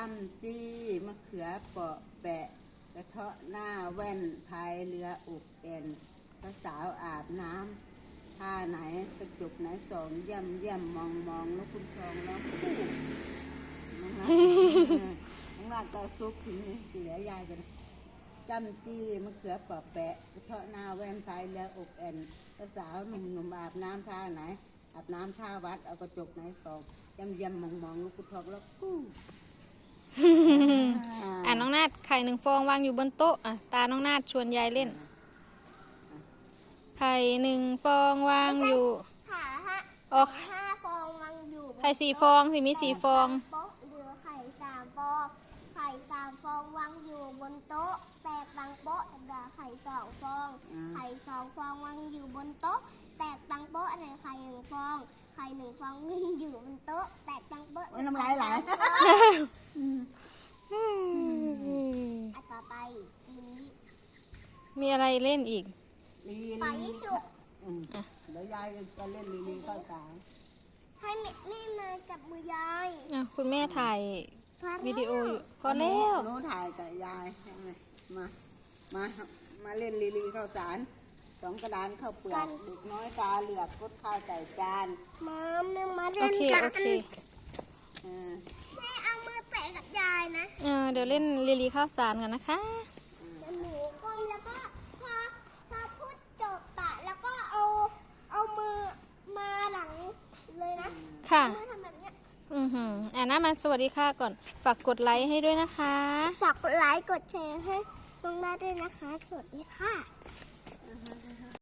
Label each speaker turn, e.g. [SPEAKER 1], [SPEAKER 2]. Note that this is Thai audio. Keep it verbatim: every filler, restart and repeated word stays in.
[SPEAKER 1] ำจี้มะเขือเปาะแปะกระเทาะหน้าแว่นพายเรืออุกแอนพระสาวอาบน้ำผ้าไหนกระจุกไหนสองย่ำย่ำมองมองแล้วคุณทองแล้วคู่น้องรักน้องรักก็ซุกถึงเสียยายกันจำจี้มะเขือเปาะแปะกระเทาะหน้าแว่นพายเรืออุกแอนพระสาวหนุ่มหนุ่มอาบน้ำท่าไหนอาบน้ำท่าวัดเอากระจกไหนสองย่ำย่ำมองมองลูกคุณทองแล้วกู้
[SPEAKER 2] อ่าน้องนาดไข่หนึ่งฟองวางอยู่บนโต๊ะอ่ะตาน้องนาดชวนยายเล่นไข่หนึ่งฟองวางอยู่
[SPEAKER 3] ค่ะฮะ
[SPEAKER 2] ออก
[SPEAKER 3] ห้าฟองวางอยู่
[SPEAKER 2] ไข่สี่ฟองสิมีสี่ฟอง
[SPEAKER 3] โต๊ะเหลือไข่สามฟองไข่สามฟองวางอยู่บนโต๊ะแตกตังโป๊ะเหลือไข่สองฟองไข่สองฟองวางอยู่บนโต๊ะแตกตังโป๊ะอะไรไข่หนึ่งฟองไข่หนึ่งฟองวางอยู่บนโต๊ะแตกตังโป๊ะ
[SPEAKER 1] น้ำลายไหล
[SPEAKER 3] อันต่อไปลินลี่
[SPEAKER 2] มีอะไรเล่นอีก
[SPEAKER 1] ลีลี
[SPEAKER 3] ปล่อยให้สุก
[SPEAKER 1] เดี๋ยวยายจะเล่นลีลีเข้าสาร
[SPEAKER 3] ให้แม่แม่มาจับมือยาย
[SPEAKER 2] อ่ะคุณแม่ถ่ายวิดีโออยู่พอแล้ว
[SPEAKER 1] หนูถ่ายกับยายมามามาเล่นลีลีเข้าสารสองกระดานข้าวเปลือกเด็กน้อยตาเหลือกกดข้าวใส่จาน
[SPEAKER 3] มาแม่มาเล่นกัน
[SPEAKER 2] โอเค
[SPEAKER 3] แม่เอามือแตะกับยายนะ
[SPEAKER 2] เออเดี๋ยวเล่นลีลีข้าวสารกันนะคะ
[SPEAKER 3] หนูก้มแล้วก็พอพอพูดจบปะแล้วก็เอาเอามือมาหลังเลยนะ
[SPEAKER 2] ค่ะ
[SPEAKER 3] มือทำแบบนี้
[SPEAKER 2] อือหืออ่านะมาสวัสดีค่ะก่อนฝากกดไลค์ให้ด้วยนะคะ
[SPEAKER 3] ฝากกดไลค์กดแชร์ให้น้องแม่ด้วยนะคะสวัสดีค่ะ